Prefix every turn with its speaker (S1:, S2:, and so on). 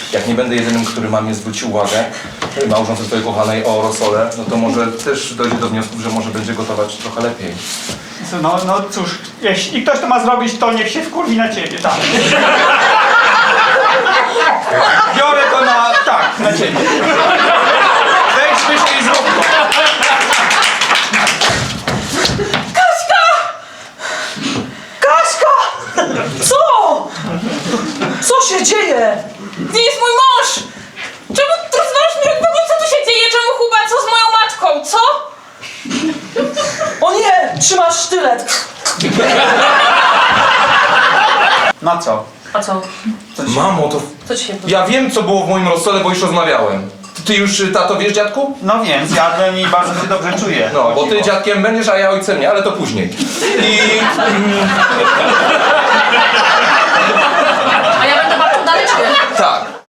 S1: jak nie będę jedynym, który mamie zwróci uwagę, małżonce twojej kochanej o rosolę, no to może też dojdzie do wniosków, że może będzie gotować trochę lepiej.
S2: No cóż, jeśli ktoś to ma zrobić, to niech się wkurwi na ciebie, tak. Biorę to na ciebie. Weź wyżej i zrób to.
S3: Kaśka! Co? Co się dzieje?
S4: Gdzie jest mój mąż? Czemu rozwalasz mi rok? Co tu się dzieje? Czemu Kuba? Co z moją matką? Co?
S3: O nie! Trzymasz sztylet!
S2: Na co?
S4: A co?
S1: Mamo, to...
S4: Co ci się
S1: Ja wiem, co było w moim rozsole, bo już rozmawiałem. Ty już, tato, wiesz, dziadku?
S2: No wiem, zjadłem i bardzo się dobrze czuję.
S1: No, bo ty dziadkiem będziesz, a ja ojcem nie, ale to później.
S4: A ja będę babcią dalej, czy nie?
S1: Tak.